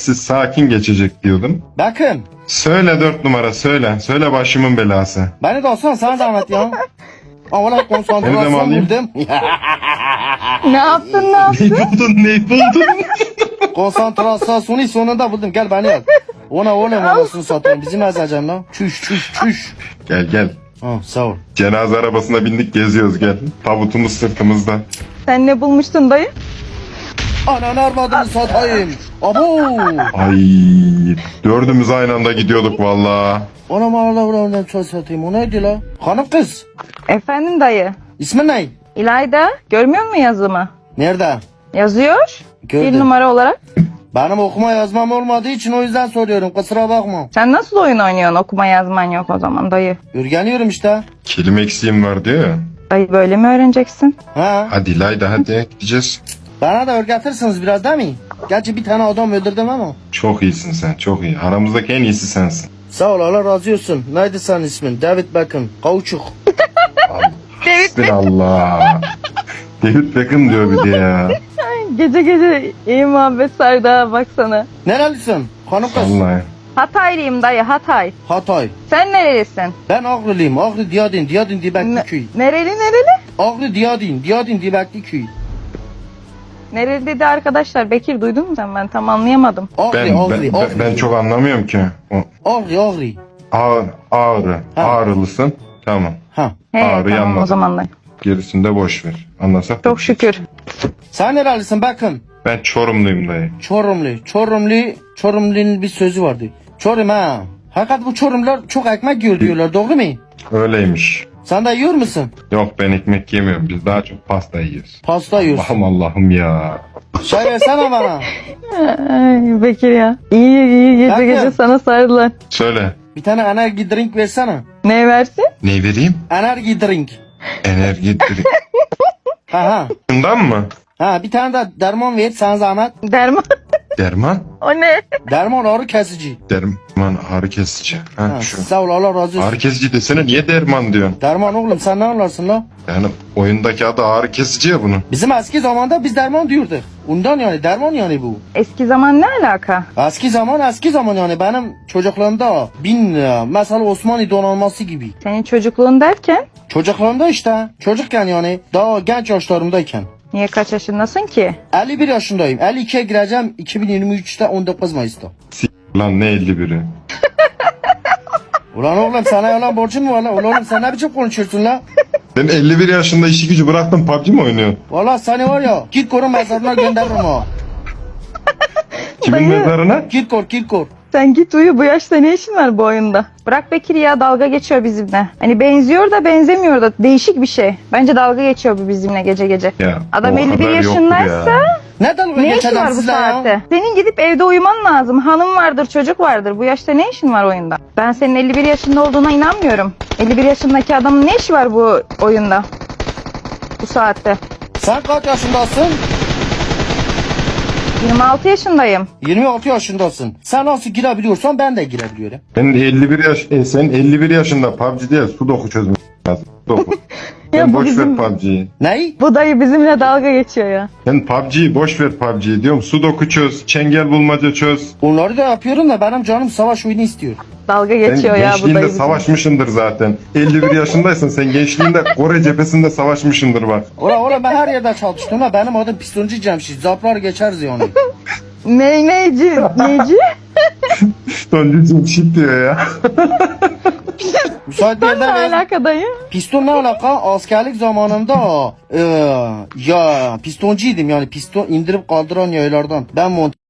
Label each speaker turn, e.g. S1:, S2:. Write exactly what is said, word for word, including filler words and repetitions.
S1: sessiz sakin geçecek diyordum.
S2: Bakın.
S1: Söyle dört numara söyle. Söyle başımın belası.
S2: Beni de alsana sana zahmet ya. Ama lan
S1: Seni de mi
S2: konsantrasyon
S1: alayım?
S2: buldum.
S3: Ne yaptın ne yaptın?
S1: Ne buldun ne buldun?
S2: Konsantrasyonu sonunda buldum. Gel beni al. Ona oğlum anasını satayım. Bizim ezacağım lan. Çüş çüş çüş.
S1: Gel gel.
S2: Ha, sağ ol.
S1: Cenaze arabasına bindik geziyoruz gel. Tabutumuz sırtımızda.
S3: Sen ne bulmuştun dayı?
S2: Ananı armadını satayım. Abo.
S1: Ay dördümüz aynı anda gidiyorduk valla.
S2: Anam Allah Allah'ından çok satayım. O neydi la? Hanım kız.
S3: Efendim dayı.
S2: İsmin ne?
S3: İlayda görmüyor musun yazımı?
S2: Nerede?
S3: Yazıyor.
S2: Gördüm.
S3: Bir numara olarak.
S2: Benim okuma yazmam olmadığı için o yüzden soruyorum. Kusura bakma.
S3: Sen nasıl oyun oynuyorsun? Okuma yazman yok o zaman dayı.
S2: Örgeniyorum işte.
S1: Kelime eksiğim var diyor ya.
S3: Dayı böyle mi öğreneceksin?
S2: Ha.
S1: Hadi Layda hadi gideceğiz.
S2: Bana da öğretirsiniz biraz değil mi? Gerçi bir tane adam öldürdüm ama.
S1: Çok iyisin sen çok iyi. Aramızdaki en iyisi sensin.
S2: Sağ ol Allah razı olsun. Neydi senin ismin? David Beckham. Kauçuk.
S3: David
S1: Allah. David Beckham diyor bir de ya.
S3: Gece gece iyi muhabbet sardı ha baksana.
S2: Nerelisin? Hanım kız.
S1: Vallahi.
S3: Hataylıyım dayı Hatay.
S2: Hatay.
S3: Sen nerelisin?
S2: Ben Ağrılıyım. Ağrı Diyadin. Diyadin Dibekli
S3: Ne-
S2: köy.
S3: nereli nereli?
S2: Ağrı Diyadin. Diyadin Dibekli köy.
S3: Nereli dedi arkadaşlar. Bekir duydun mu sen? Ben tam anlayamadım.
S2: Ağrı
S1: Ben,
S2: Ağrı
S1: ben,
S2: Ağrı.
S1: ben, ben çok anlamıyorum ki. O,
S2: Ağrı Ağrı.
S1: ağır, ağrı.
S2: Ha.
S1: Ağrılısın. Tamam.
S2: Ha.
S3: He
S1: Ağrıyı
S3: tamam
S1: anladım.
S3: o zaman dayı.
S1: Gerisini de boş ver. Anlasak.
S3: Çok şükür.
S2: Sen nerelisin bakın?
S1: Ben Çorumluyum dayı.
S2: Çorumlu. Çorumlu. Çorumlu'nun bir sözü vardı. Çorum ha. Hakikat bu Çorumlular çok ekmek yiyor diyorlar. Doğru mu?
S1: Öyleymiş.
S2: Sen de yiyor musun?
S1: Yok ben ekmek yemiyorum. Biz daha çok pasta yiyoruz.
S2: Pasta yiyorsun.
S1: Allah'ım Allah'ım ya.
S2: Çay versene bana.
S3: Ay Bekir ya. İyi iyi gece
S2: Bakın.
S3: gece sana sardılar.
S1: Söyle.
S2: Bir tane enerji drink versene.
S3: Ne versin?
S1: Ne vereyim?
S2: Enerji drink.
S1: Enerji drink.
S2: Ha ha.
S1: Bundan mı?
S2: Ha bir tane de derman ver sana zahmet.
S3: Derman.
S1: Derman?
S3: O ne?
S2: Derman ağrı kesici.
S1: Derman ağrı kesici. Ha,
S2: Ha,
S1: şu.
S2: sağ ol Allah razı olsun.
S1: Ağrı kesici desene niye derman diyorsun?
S2: Derman oğlum sen ne anlarsın la?
S1: Yani oyundaki adı ağrı kesici ya bunun.
S2: Bizim eski zamanda biz derman diyorduk. Ondan yani derman yani bu.
S3: Eski zaman ne alaka?
S2: Eski zaman eski zaman yani benim çocukluğumda bin lira. Mesela Osmanlı donanması gibi.
S3: Senin çocukluğun derken
S2: Çocukluğumda işte çocukken yani daha genç yaşlarımdayken.
S3: niye kaç yaşındasın ki?
S2: elli bir yaşındayım. elli ikiye gireceğim iki bin yirmi üçte on dokuz Mayıs'ta.
S1: Lan ne elli biri.
S2: Ulan oğlum sana yalan borcun mu var lan? Ulan oğlum sen ne biçim konuşuyorsun lan?
S1: Sen elli bir yaşında işi gücü bıraktın P U B G mi oynuyorsun?
S2: Valla seni var ya Kirkor'un mezarına gönderirim ha.
S1: Kimin
S3: Dayı.
S1: mezarına?
S2: Kirkor Kirkor.
S3: Sen git uyu bu yaşta ne işin var bu oyunda? Bırak Bekir ya dalga geçiyor bizimle. Hani benziyor da benzemiyor da değişik bir şey. Bence dalga geçiyor bu bizimle gece gece.
S1: Ya,
S3: Adam
S1: o
S3: elli bir
S1: kadar yoktu
S3: yaşındaysa
S1: ya.
S2: Ne dalga
S3: ne işin
S2: geçeceğim
S3: var bu
S2: sizle ya?
S3: saatte? Senin gidip evde uyuman lazım. Hanım vardır, çocuk vardır. Bu yaşta ne işin var oyunda? Ben senin elli bir yaşında olduğuna inanmıyorum. elli bir yaşındaki adamın ne işi var bu oyunda? Bu saatte.
S2: Sen kaç yaşındasın?
S3: yirmi altı yaşındayım.
S2: yirmi altı yaşındasın. Sen nasıl girebiliyorsan ben de girebiliyorum.
S1: Ben de elli bir yaş, e, sen elli bir yaşında P U B G değil Sudoku çözmek lazım. Sudoku.
S3: Ya
S1: Sen
S3: bu
S1: boş
S3: bizim-
S1: ver P U B G'yi.
S2: Ney?
S3: Bu dayı bizimle dalga geçiyor ya.
S1: Sen P U B G'yi boş ver P U B G'yi diyorum. Sudoku çöz, çengel bulmaca çöz.
S2: Onları da yapıyorum da benim canım savaş oyunu istiyor.
S3: Dalga
S1: Sen
S3: geçiyor ya bu
S1: gençliğinde
S3: dayı bizimle.
S1: savaşmışındır zaten. elli bir yaşındaysın sen gençliğinde Kore cephesinde savaşmışındır bak.
S2: Ola ola ben her yerde çalıştım ha. Benim adım pistoncu Cemşit. Zaplar geçeriz yani.
S3: Ne neyci? Neyci?
S1: Sonuncu shit diyor ya.
S2: Müsait bir
S3: Ne
S2: yerde ver.
S3: alaka dayı?
S2: Piston ne alaka? Askerlik zamanında e, ya pistoncuydum yani piston indirip kaldıran yaylardan. Ben mont